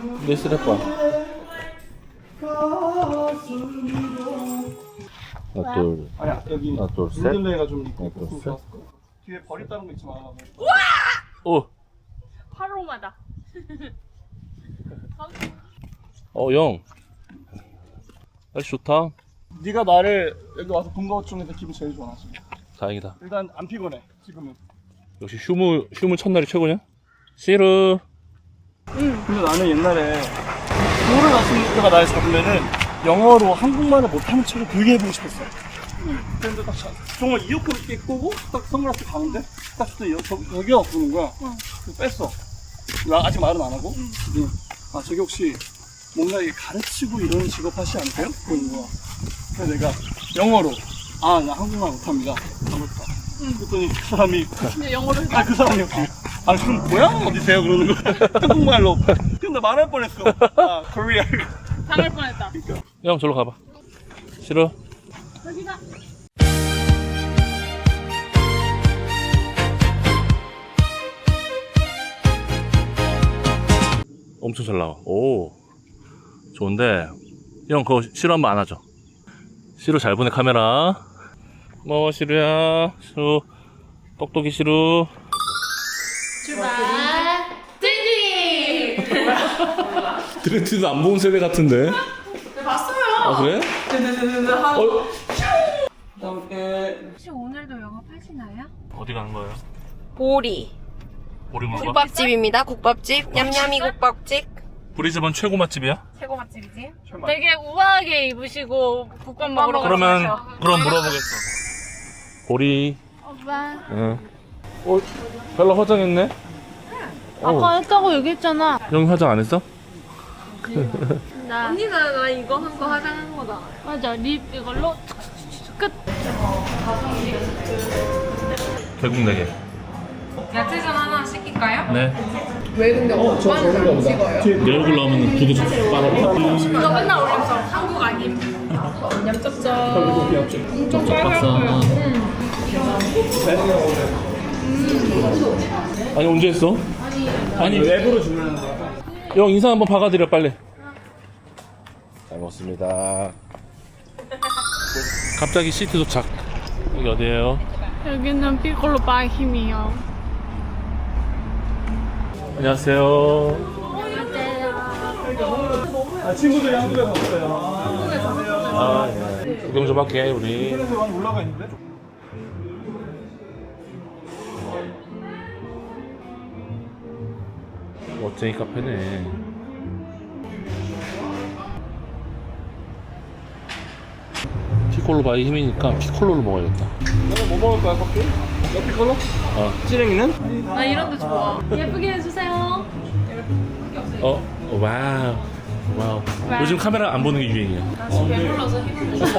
내 스레빠. 하나 둘. 아니야 여기 하나 둘 셋. 묻을레가 좀 있고 하나, 둘, 좀 셋. 좋았을 거야. 뒤에 버렸다는 거 있지 마. 오. 파로마다. 영. 날씨 좋다. 네가 나를 여기 와서 본 것 중에서 기분 제일 좋아 지금. 다행이다. 일단 안 피곤해 지금은. 역시 휴무 첫날이 최고냐? 시르. 근데 나는 옛날에 모를 아침부터가 날 잡으면은 영어로 한국말을 못하는 척을 되게 해보고 싶었어. 근데 딱 정말 이어폰 이렇게 끄고 딱 선글라스 가는데 딱 그때 저기요 부르는 거야. 그래서 뺐어. 나 아직 말은 안 하고. 아 저기 혹시 뭔가 이게 가르치고 이런 직업 하시지 않으세요? 그러는 거야. 그래서 내가 영어로 아 나 한국말 못합니다. 아무렇다. 그랬더니 그 사람이 근데 영어를 아 그 사람이 혹시 아 그럼 고향은 어디세요? 그러는 거야. 한국말로. 근데 말할 뻔했어. 아 코리아. 당할 뻔했다. 형 저로 가봐. 싫어? 여기가. 엄청 잘 나와. 오. 좋은데. 형 그거 시루 한번 안아줘. 시루 잘 보내 카메라. 뭐 시루야. 시루. 똑똑이 시루. 출발. 띵띵. 드레티도 안 본 세대 같은데. 네, 봤어요. 아 그래? 혹시 오늘도 영업하시나요? 어디 가는 거예요? 보리 보리 먹어? 국밥집입니다. 국밥집 냠냠이 국밥집. 브리즈번 최고 맛집이야? 최고 맛집이지. 되게 우아하게 입으시고 국밥 먹으러 그러면 가시죠. 그럼 물어보겠어. 보리. 오빠. 응. 벨라 화장했네? 아까 했다고 얘기했잖아. 형이 화장 안 했어? 나. 언니가 나 이거 한 거 화장한 거다. 맞아. 립 이걸로 끝. 결국 4개. 야채전 하나 시킬까요? 네. 왜 근데 오빠는 안 찍어요? 내 얼굴 나오면 두개 빨아. 너 맨날 올렸어. 한국 아님. 좀 좁았어. 아니 언제 했어? 아니 랩으로 주문하는 거야. 형 인사 한번 박아드려 빨리. 잘 먹었습니다. 갑자기 시티 도착. 여기 어디예요? 여기는 피콜로 바힘이요. 안녕하세요. 아 친구들이 한국에 갔어요. 아 예. 구경 좀 할게 우리. 그래서 많이 올라가 있는데. 멋쟁이 카페네. 피콜로 바이 힘이니까 피콜로를 먹어야겠다. 너는 뭐 먹을 거야 커피? 커피 컬러? 어. 찌랭이는? 나 이런 데 좋아. 예쁘게 해주세요. 와우. 와우. 요즘 카메라 안 보는 게 유행이야. 배불러서 힘들어.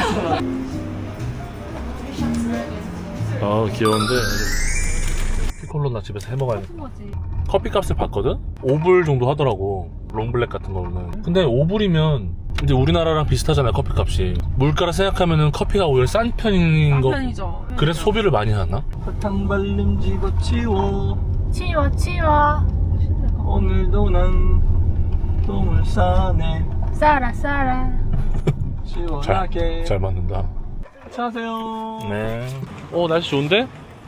귀여운데. 피콜로 나 집에서 해 먹어야겠다. 거지. 커피 값을 봤거든? 5불 정도 하더라고. 롱블랙 같은 거는. 근데 5불이면 이제 우리나라랑 비슷하잖아요, 커피 값이. 물가를 생각하면은 커피가 오히려 싼 편인 거. 편이죠. 그래서 소비를 많이 하나? 사탕 발림 집어치워. 치워. 오늘도 난 똥을 싸네. 싸라. 시원하게. 잘 맞는다. 안녕하세요. 네. 날씨 좋은데?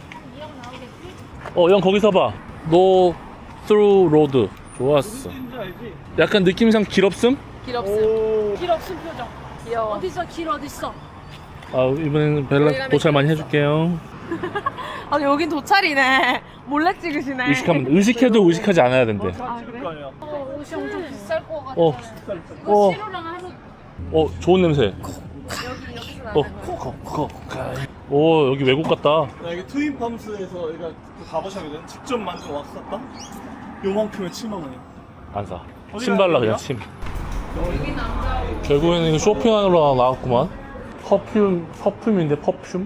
형 거기서 봐. No through road. 좋았어. 무슨지 알지? 약간 느낌상 길 없음? 길 없음. 길 없음 표정. 귀여워. 어딨어? 길 어딨어? 이번에는 벨라 도착 많이 해줄게요. 아 여긴 도찰이네. 몰래 찍으시네. 의식해도 의식하지 않아야 된대. 아 그래? 옷이 엄청 비쌀 것 같아. 어, 이거 시루랑 하루. 좋은 냄새. 여기 외국 같다. 나 여기 트윈팜스에서 여기가 그 가보셔거든. 직접 만든 왁스 샀다. 요만큼에 7만 원이야. 안 사. 어디 침 발라 가는 그냥 거야? 침. 결국에는 이거 쇼핑하러 나왔구만. 퍼퓸인데 퍼퓸?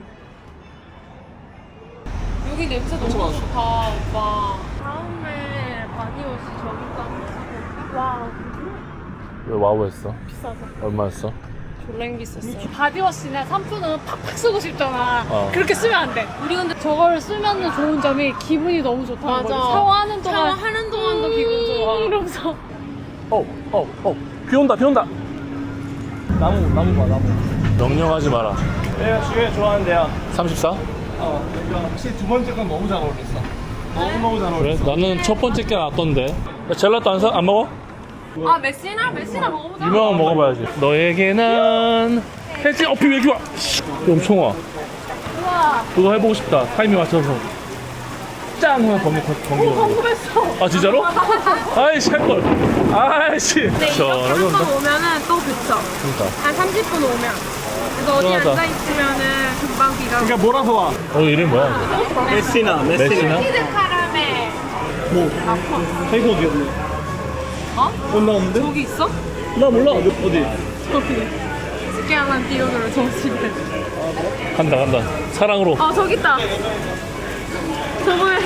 여기 냄새 너무 좋다, 오빠. 다음에 바디워시 저기 가면 와 왜 와우 했어? 비싸서 얼마였어? 졸랭 비쌌어요. 바디워시나 샴푸는 팍팍 쓰고 싶잖아. 어. 그렇게 쓰면 안 돼. 우리 근데 저걸 쓰면 좋은 점이 기분이 너무 좋다는 맞아. 거지. 샤워하는 동안 샤워하는 동안도 기분 좋아. 이러면서 비 온다, 비 온다. 나무 봐 나무. 명령하지 마라. 내가 주에 좋아하는 데야. 34? 확실히 두 번째 건 너무 잘 어울렸어. 너무 잘 그래? 어울렸어. 나는 첫 번째 게 나왔던데. 야, 젤라또 안 먹어? 아 메시나 먹어보자. 유명한 거 먹어봐야지. 너에게는 해지. 비 왜 이렇게 와? 씨, 엄청 와. 우와. 그거 해보고 싶다. 타이밍 맞춰서. 짠! 하면 번개. 궁금했어. 아, 진짜로? 아이씨, 할걸. 아이씨. 근데 이렇게 한 번 오면은 또 그쳐. 그러니까. 한 30분 오면. 그래서 어디 시원하다. 앉아있으면은 금방 비가 오고. 그러니까 몰아서 와. 이름이 뭐야? 메시나. 메시나? 치즈 카라멜. 뭐? 페이커 어디였네? 어? 못 나오는데? 저기 있어? 나 몰라. 어디? 저기. 스키야만 띄우기로 정식을. 간다. 사랑으로. 저기 있다. 저번에.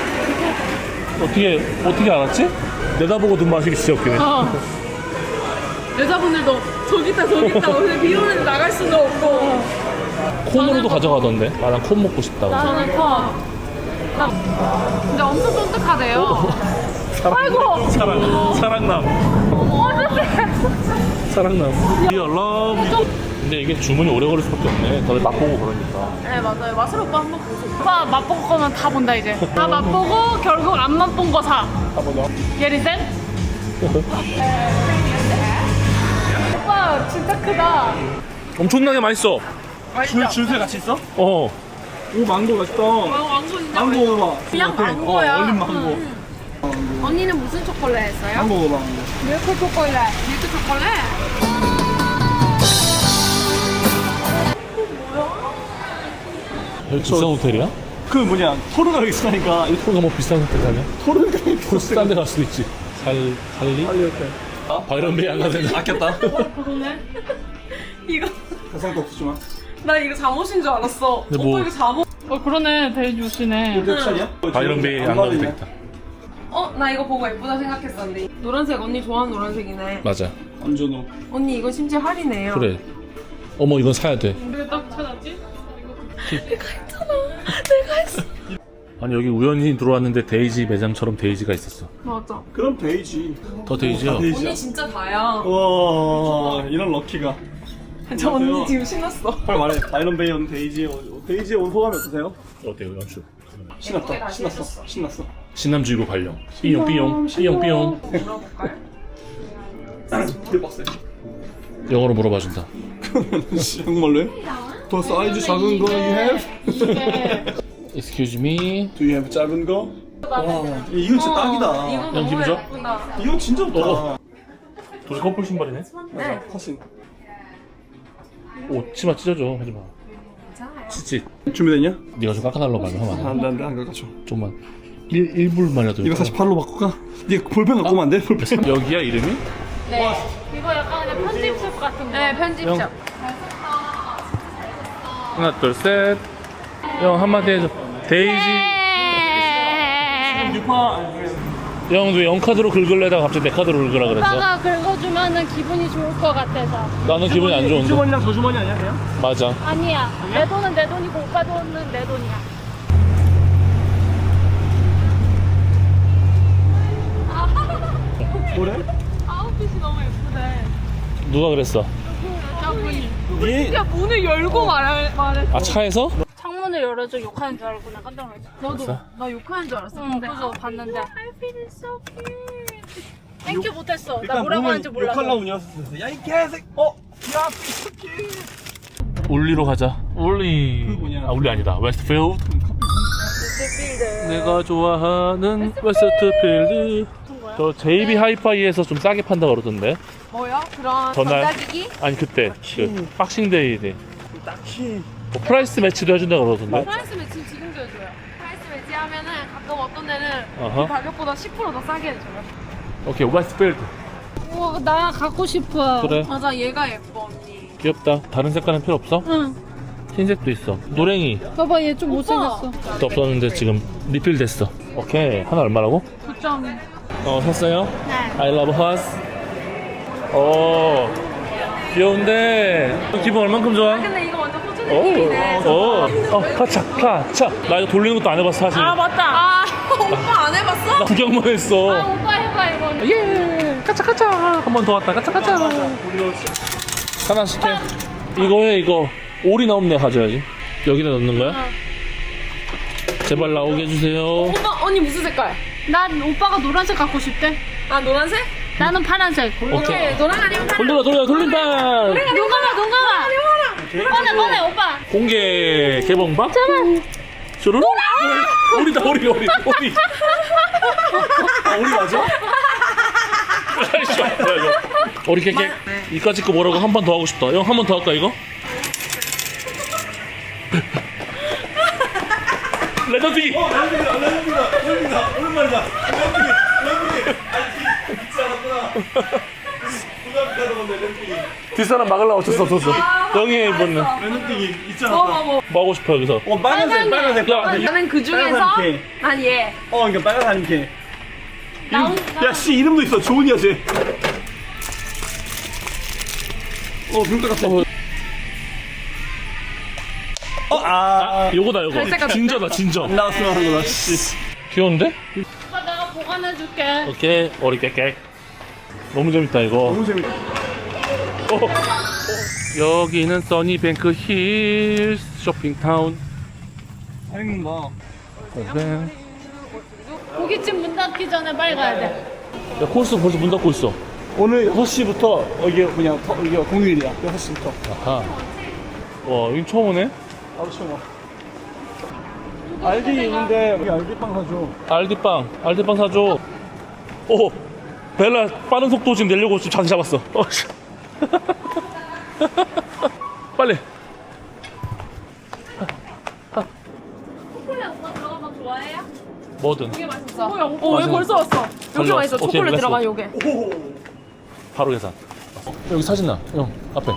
어떻게 알았지? 내다보고 눈 마시기 진짜 웃기네. 여자분들도 저기 있다. 오늘 비 오는데 나갈 수도 없고. 콘으로도 가져가던데. 아, 난 콘 먹고 싶다고. 저는 컵. 근데 엄청 쫀득하대요. 아이고. 사랑남. 어떡해. 사랑남. Dear love. 근데 이게 주문이 오래 걸릴 수밖에 없네. 다들 맛보고 그러니까. 네 맞아요. 맛을 오빠 한번 보세요. 오빠 맛보고 거면 다 본다 이제. 다 맛보고 결국 안 맛본 거 사. 예리센? 오빠 진짜 크다. 엄청나게 맛있어. 줄새 같이 있어? 어. 오 망고 맛있다. 왕고 진짜 망고 먹어봐. 그냥 망고야. 얼린 망고. 언니는 무슨 초콜릿 했어요? 망고 먹어봐. 밀크 초콜릿. 밀크 초콜릿? 여기 비싼 호텔이야? 그 뭐냐 토르가 있으니까 이 토르가 뭐 비싼 호텔 가냐? 토르가 토르 싼 데 갈 수도 있지. 살리? 이렇게 바이런 베이 안 가도 아꼈다. 그러네. 이거 가상도 없지만. 나 이거 잠옷인 줄 알았어. 근데 뭐- 오빠 이거 잠옷. 그러네. 데이지 옷이네. 몇 살이야? 바이런 베이 안 가도 되겠다. 나 이거 보고 예쁘다 생각했었는데. 노란색 언니 좋아하는 노란색이네. 맞아. 안전호. 언니 이거 심지어 할인해요. 그래. 어머, 이건 사야 돼. 왜 딱 찾았지? 내가 했잖아. 내가 했어. 아니, 여기 우연히 들어왔는데 데이지 매장처럼 데이지가 있었어. 맞아. 그럼 베이지. 더 데이지야. 언니 진짜 다야. 와 이런 럭키가. 저 언니 지금 신났어. 빨리 말해. 바이런 베이 온 데이지에 온 소감이 어떠세요? 어때요, 연출? 신났다. 신났어. 신남주의보 발령. 삐용. 물어볼까요? 되게 빡세. 영어로 물어봐준다. 정말로? 더 사이즈 작은 거 you have? 이게 Excuse me. Do you have 작은 거? 와 이건 진짜 딱이다. 이거 형 너무 기분 좋아? 예쁘다. 이건 진짜 좋다. 둘이 커플 신발이네? 네. 사신. 오, 치마 찢어줘. 하지마. 괜찮아요. 치치. 준비됐냐? 네가 좀 깎아달라고 하면 하면 안 돼. 안돼 가죠. 좀만. 1불만 해도. 이거 48로 바꿀까? 네 볼펜 갖고 오면 안 돼? 볼펜. 여기야, 이름이? 네. 이거 약간 그냥 편집샵 같은 거. 네, 편집샵. 형. 하나, 둘, 셋. 형, 한마디 해줘. 데이지. 형, 왜 0카드로 긁을래다가 갑자기 내 카드로 긁으라 그랬어? 오빠가 긁어주면은 기분이 좋을 것 같아서. 나는 기분이 안 좋은데. 주머니랑 저 주머니 아니야 그냥? 맞아. 아니야. 내 돈은 내 돈이고 오빠 돈은 내 돈이야. 뭐래? 아웃핏이 너무 예쁘네. 누가 그랬어? 여자분이. 네 야, 문을 열고 말했어. 아, 차에서? 창문을 열어줘 욕하는 줄 알고 나 깜짝 놀랐어. 너도 됐어? 나 욕하는 줄 알았어. 응, 근데 그래서 봤는데. I feel so cute. 땡큐 못했어. 나 뭐라고 하는지 몰라서. 욕하려고 운이었어. 야이 개색. 야 피스키. 울리로 가자. 울리. 그 뭐냐? 아, 울리 아니다. 웨스트필드. 내가 좋아하는 웨스트필드. 저 JB 하이파이에서 좀 싸게 판다 그러던데. 뭐야? 그런 전날? 전자기기? 아니, 그때 그 박싱데이 때 딱히. 뭐 프라이스 매치도 해준다 그러던데. 프라이스 매치 지금도 해줘요. 프라이스 매치 하면은 가끔 어떤 데는 어허. 이 가격보다 10%더 싸게 해줘요. 오케이, 웨스트필드. 우와, 나 갖고 싶어. 그래, 맞아, 얘가 예뻐 언니. 귀엽다. 다른 색깔은 필요 없어? 응. 흰색도 있어. 노랭이 봐봐, 얘 좀 못생겼어. 또 없었는데 지금 리필 됐어. 오케이, 하나 얼마라고? 9점. 샀어요? 네. I love us. 오, 귀여운데 기분 얼만큼 좋아? 근데 이거 완전 호주 오, 느낌이네. 카차. 나 이거 돌리는 것도 안 해봤어 사실. 아 맞다. 아 오빠 안 해봤어? 나 구경만 했어. 오빠 해봐, 이거는. 예, 가자. 한 번 더 왔다. 가자. 하나씩 해. 이거 해, 이거. 오리 나오면 내가 가져야지. 여기다 넣는 거야? 제발 나오게 해주세요. 오빠 언니 무슨 색깔? 난 오빠가 노란색 갖고 싶대. 아 노란색? 나는 파란색. 오케이. 노랑 아니면 파란? 돌린다. 눈감아. 꺼내, 오빠. 공개 개봉박? 슈루루? 오리다, 오리. 아, 우리 맞아? 오리 깨깨. 이까짓 거 뭐라고 한 번 더 하고 싶다. 형, 한 번 더 할까, 이거? 레전드기! 레전드다. 오랜만이다. 레전드기. 잊지 않았구나. 부담가도 건데, 레전드기. 뒷사람 막으려고 어쩔 수 없었어. 영희의 이번은 레전드기 잊지 않았다. 뭐 하고 싶어, 여기서? 빨간색. 나는 그 중에서 빨간 개. 난 얘. 그러니까 빨간 사람 개. 야, 씨, 이름도 있어. 조은이야, 쟤. 비올 것 같아. 요거다, 요거. 갈색 같은데? 진저다, 진저. 안 나왔으면 하는 거다, 씨. 귀여운데? 오빠 내가 보관해줄게. 오케이, 오리 깨깨. 너무 재밌다, 이거. 너무 재밌다. 여기는 써니뱅크 힐 쇼핑타운. 잘 읽는다. 네. 고깃집 문 닫기 전에 빨리 가야 돼. 야, 코스 벌써 문 닫고 있어. 오늘 6시부터 이게 공휴일이야. 6시부터. 아하. 와, 여긴 처음 오네? 바로 처음 와. 알디 있는데 우리 알디빵 사줘. 알디빵 사줘. 오, 벨라 빠른 속도 지금 내려고 지금 자세 잡았어. 씨. 빨리. 초콜릿 오빠 들어간 거 좋아해요? 뭐든. 되게 맛있어. 왜 왜 벌써 왔어? 여기 달려. 맛있어. 오케이, 초콜릿 렛츠고. 들어간 요게. 바로 계산. 여기 사진 나. 형, 앞에.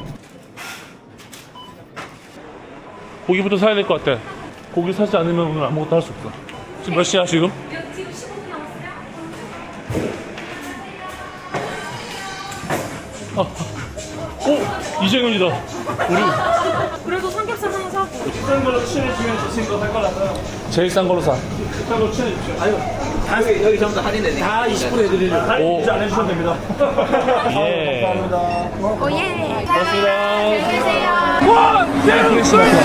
고기부터 사야 될 것 같아. 고기 사지 않으면 오늘 아무것도 할 수 없어. 지금 몇 시야, 지금? 지금 15분 남았어요? 오! 이정현이다. 우리 그래도 삼겹살 하나 사고. 비싼 걸로 추천해주면 저 친구 살 거라서 제일 싼 걸로 사. 비싼 걸로 추천해주세요. 아유, 여기 전부 다 할인되네. 다 20% 해드리려고. 할인 이제 안 해주셔도 됩니다. 예. 감사합니다. 오예. 고맙습니다. 와! 네, 크리스마스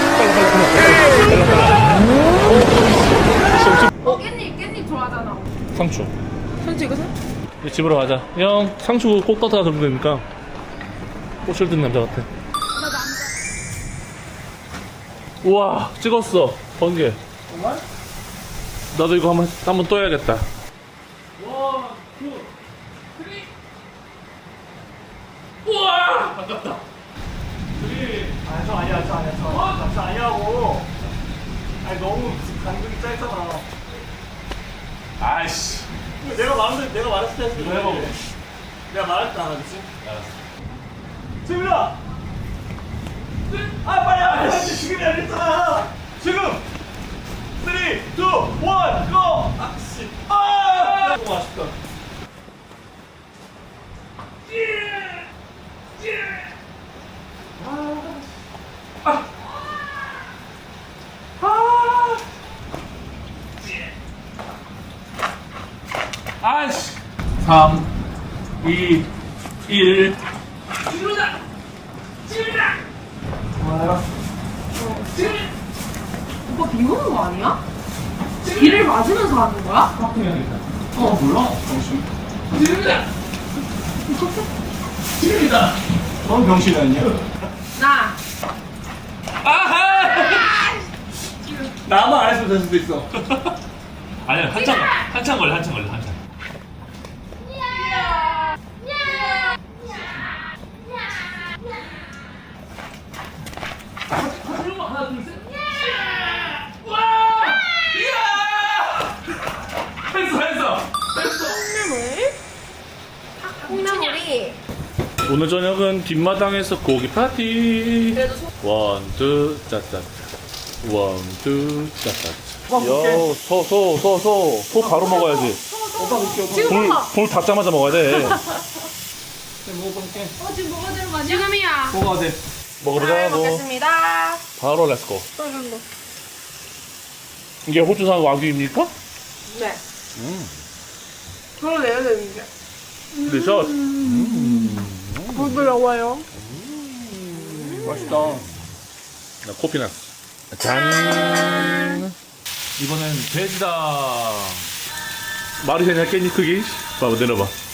깻잎 좋아하잖아. 상추. 현지 이거 사? 이제 집으로 가자. 형, 상추 꼭 따다가 들면 되니까. 꽃을 든 남자 같아. 우와, 찍었어. 번개. 정말? 나도 이거 한번 또 해야겠다. 저 아니야. 저 아니라고. 아니, 너무 간격이 짧잖아. 아이씨. 내가 말했을 때 했을 때 해봐. 내가 말했다, 알았지? 알았어. 지금이다! 빨리! 지금이 아니잖아! 지금! 3, 2, 1, go! 씨! 너무 아쉽다. 아이씨. 3, 2, 1. 오빠 비 오는 거 아니야? 비를 맞으면서 하는 거야? 몰라? 지금이다! 넌 병신이 아니야? 나. 나만 안 했으면 될 수도 있어. 아니야, 한참 걸려. 콩나물이. 오늘 저녁은 뒷마당에서 고기 파티. 원, 투, 짜짜짜. 원, 투, 짜짜짜. 요, 소 바로 먹어야지. 오빠 볼게. 불 닫자마자 먹어야 돼. 먹어볼게. 지금 뭐가 되는 거 아니야? 지금이야. 뭐가 돼? 먹어보자고. 먹겠습니다. 바로 렛츠고. 이게 호주산 와규입니까? 네. 저를 내야 되는데. 딜리셔스. 부드러워요. 맛있다. 나 코피 났어. 짠. 이번엔 돼지다. 말이 되냐 깻잎 크기? 봐봐 내려봐.